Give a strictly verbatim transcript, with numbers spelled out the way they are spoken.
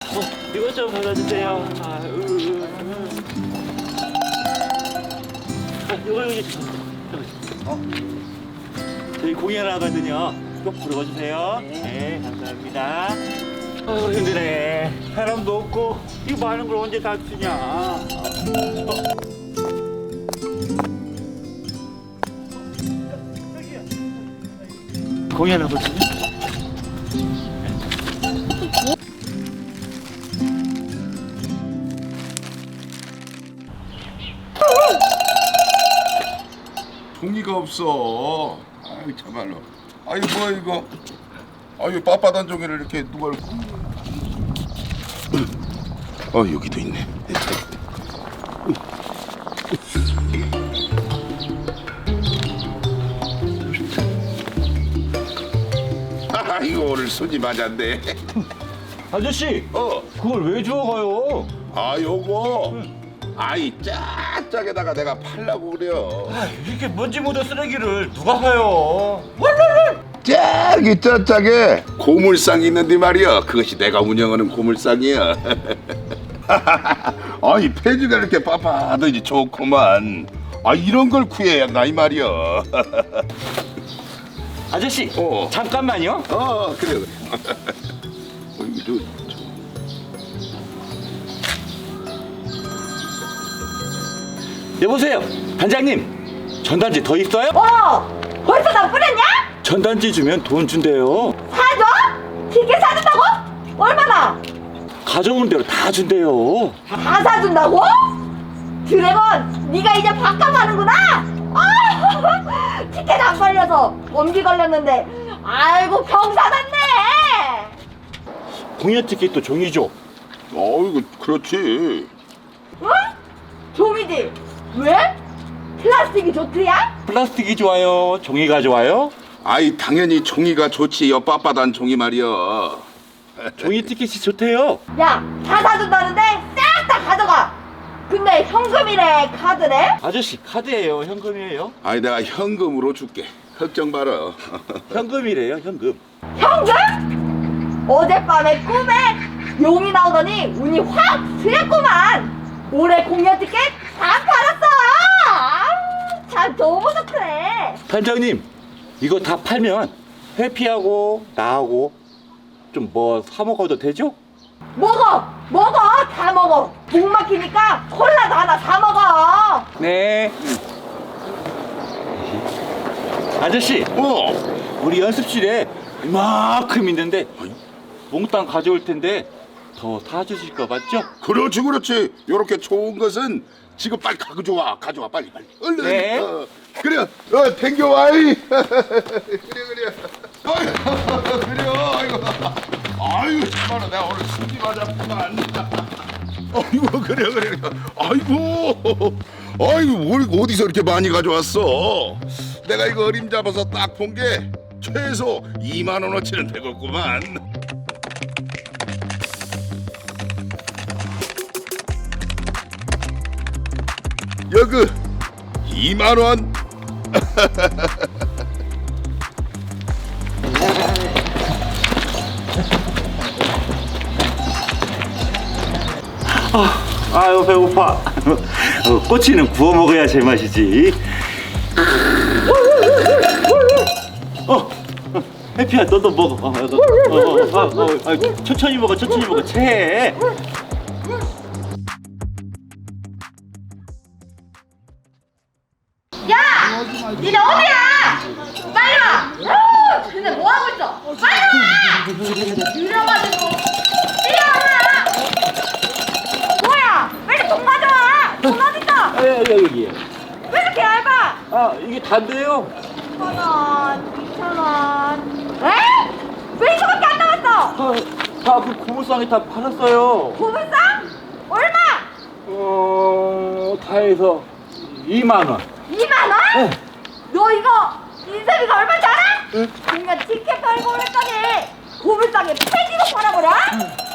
어, 이것 좀 받아주세요. 아, 으, 으, 으. 아, 이거 여기 주세요. 어? 저희 공연 하거든요. 꼭 부르고 주세요. 네, 감사합니다. 어, 힘드네. 사람도 없고 이거 많은 걸 언제 다 쓰냐. 어. 공연 하거든요. 종이가 없어. 아이 참말로. 아이 뭐야 이거. 아유 빳빳한 종이를 이렇게 누가 읽고. 어 여기도 있네. 아 이거 오늘 손이 맞았네. 아저씨, 어. 그걸 왜 주워가요? 아 요거. 아이 짝짝에다가 내가 팔라고 그래요. 아, 이렇게 먼지 묻은 쓰레기를 누가 사요? 짝이 짝짝에 고물상이 있는데 말이야. 그것이 내가 운영하는 고물상이야. 아이 폐지가 이렇게 빳빳하더니 좋구만. 아 이런 걸 구해야 한다 이 말이야. 아저씨, 어. 잠깐만요. 어 그래 그래. 어, 이거 여보세요, 단장님. 전단지 더 있어요? 어! 벌써 다 뿌렸냐? 전단지 주면 돈 준대요. 사줘? 티켓 사준다고? 얼마나? 가져온 대로 다 준대요. 다 사준다고? 드래곤, 네가 이제 밥값하는구나? 아, 티켓 안 걸려서 감기 걸렸는데 아이고 병사 났네. 공연 티켓도 종이죠. 어이구 그렇지. 응? 종이지? 왜? 플라스틱이 좋드야? 플라스틱이 좋아요? 종이가 좋아요? 아이 당연히 종이가 좋지. 여 빳빳한 종이 말이야. 종이 티켓이 좋대요. 야, 다 사준다는데 싹 다 가져가. 근데 현금이래 카드래? 아저씨, 카드예요, 현금이에요? 아이 내가 현금으로 줄게. 걱정 마라. 현금이래요, 현금. 현금? 어젯밤에 꿈에 용이 나오더니 운이 확 트였구만. 올해 공연 티켓 다 팔았어. 아우, 참 너무 좋네. 단장님, 이거 다 팔면 회피하고 나하고 좀 뭐 사 먹어도 되죠? 먹어, 먹어, 다 먹어. 목 막히니까 콜라도 하나 사 먹어. 네. 아저씨, 어. 우리 연습실에 이만큼 있는데 몽땅 가져올 텐데 더 사주실 거 맞죠? 그렇지 그렇지. 요렇게 좋은 것은 지금 빨리 가져와. 가져와 빨리 빨리. 얼른. 네. 어, 그래. 어 댕겨와이. 그래 그래. 아이고 그래. 아이고. 아이고 정말로 내가 오늘 숨이 맞았구만. 아이고 그래 그래. 아이고. 아이고 뭘 어디서 이렇게 많이 가져왔어? 내가 이거 어림잡아서 딱 본 게 최소 이만 원어치는 되겠구만. 여기 이만 원. 아유, 배고파. 어, 꼬치는 구워 먹어야 제맛이지. 어, 어, 해피야, 너도 먹어. 어, 너, 어, 어, 어, 어, 아, 천천히 먹어, 천천히 먹어. 체해. 야, 니네 어디야? 빨리 와. 아우, 근데 뭐 하고 있어? 빨리 와. 느려가지고 뛰어와. 뭐야? 빨리 돈 가져와. 돈 어딨어? 아, 여기, 여기. 왜 이렇게 얇아? 아, 이게 단데요. 천 원, 이천 원. 에? 왜 이거밖에 안 남았어? 아, 다 그 고물상에 다 팔았어요. 고물상? 얼마? 어, 다 해서 이만 원. 이만 원? 네. 너 이거 인쇄비가 얼마인지 알아? 네. 그냥 티켓 팔고 그랬더니 고물상에 폐지도 팔아버려?